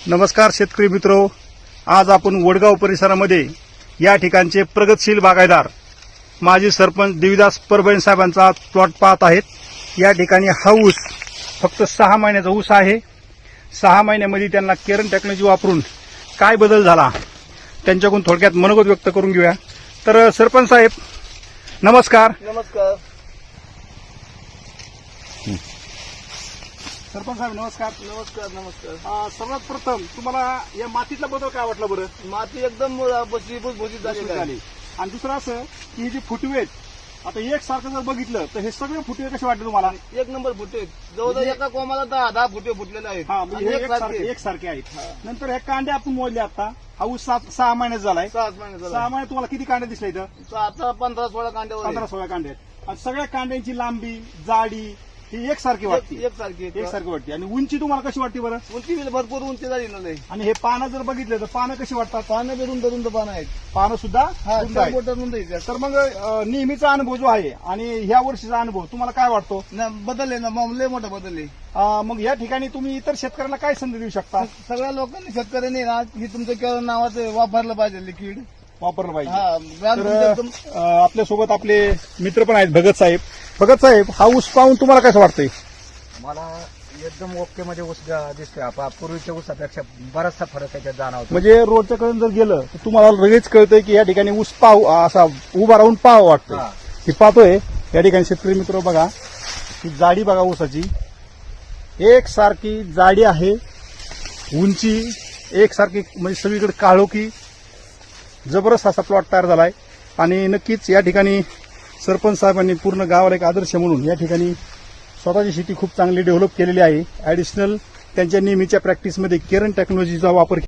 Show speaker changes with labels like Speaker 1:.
Speaker 1: नमस्कार शेतकरी मित्रो, आज आपण वडगाव परिसरामध्ये या ठिकाणचे प्रगतशील बागायतदार माजी सरपंच देवीदास परभणी साहेबांचा प्लॉट पाहत आहेत। या ठिकाणी हा ऊस फक्त 6 महिन्याचा ऊस आहे। 6 महिन्यामध्ये त्यांना केरन टेक्नॉलॉजी वापरून काय बदल झाला त्यांच्याकडून थोडक्यात मनोगत व्यक्त करून घेऊया। तर सरपंच साहेब नमस्कार।
Speaker 2: नमस्कार
Speaker 1: सरपंच साहेब नमस्कार।
Speaker 2: नमस्कार नमस्कार
Speaker 1: सर्वात प्रथम तुम्हाला या मातीतला बदल काय वाटला बरं?
Speaker 2: माती एकदम भुसभुशीत झालेली आहे.
Speaker 1: आणि दुसरं असं की हे जे फुटवे आहेत, आता एक सारखं जर बघितलं तर हे सगळे फुटवे कसे वाटले तुम्हाला?
Speaker 2: एक नंबर फुटे जवळजवळ एका कोमाला 10 फुटे फुटलेले आहेत.
Speaker 1: हा, म्हणजे
Speaker 2: आणि
Speaker 1: हे एकसारखे आहेत। नंतर हे कांडे आपण मोजले आता, हा ऊस 6 महिन्यात झालाय।
Speaker 2: 6 महिने
Speaker 1: 6 महिन्यात तुम्हाला किती कांडे दिसले इथं?
Speaker 2: आता 15-16 कांड्यावर
Speaker 1: 15-16 कांडे आहेत। आणि सगळ्या कांड्यांची लांबी जाडी ही एकसारखी वाटते,
Speaker 2: एकसारखी
Speaker 1: एकसारखी वाटते। आणि उंची तुम्हाला कशी वाटते बरं?
Speaker 2: उंची भरपूर उंची झाली नाही.
Speaker 1: आणि हे पानं जर बघितले तर पानं कशी वाटतात?
Speaker 2: पानं बिरून धरून पानं आहेत.
Speaker 1: पानं सुद्धा रुंद आहेत।
Speaker 2: मोठं रुंद आहेत.
Speaker 1: तर मग नेहमीचा अनुभव जो आहे आणि ह्या वर्षीचा अनुभव तुम्हाला काय वाटतो?
Speaker 2: बदलले ना लय मोठं बदलले.
Speaker 1: मग या ठिकाणी तुम्ही इतर शेतकऱ्यांना काय संधी देऊ शकता?
Speaker 2: सगळ्या लोकांनी शेतकऱ्यांनी ना हे तुमचं केवळ नावाचं वापरलं पाहिजे लिक्विड.
Speaker 1: वापरलं पाहिजे।
Speaker 2: हा ब्रँड
Speaker 1: तर
Speaker 2: तुमचं
Speaker 1: आपल्यासोबत आपले मित्र पण आहेत, भगत साहेब। भगत साहेब, हा ऊस पाहून तुम्हाला कसं वाटतंय?
Speaker 3: मला एकदम ओके मध्ये ऊस दिसतोय. पूर्वीच्या ऊसापेक्षा बराचसा फरक त्याच्यात जाणवतो.
Speaker 1: म्हणजे रोडच्या कडे जर गेलं तर तुम्हाला लगेच कळतंय की या ठिकाणी ऊस पाहू असा उभा राहून पाहावं वाटतंय।
Speaker 3: हा.
Speaker 1: हे पाहतोय या ठिकाणी शेतकरी मित्र बघा, ही जाडी बघा ऊसाची, एकसारखी जाडी आहे, उंची एकसारखी, म्हणजे सगळीकडे काळोखी जबरदस्त असा प्लॉट तयार झालाय। आणि नक्कीच या ठिकाणी सरपंच साहेबांनी पूर्ण गावाला एक आदर्श म्हणून या ठिकाणी स्वतःची शेती खूप चांगली डेव्हलप केलेली आहे। ऍडिशनल त्यांच्या नेहमीच्या प्रॅक्टिसमध्ये केरन टेक्नॉलॉजीचा वापर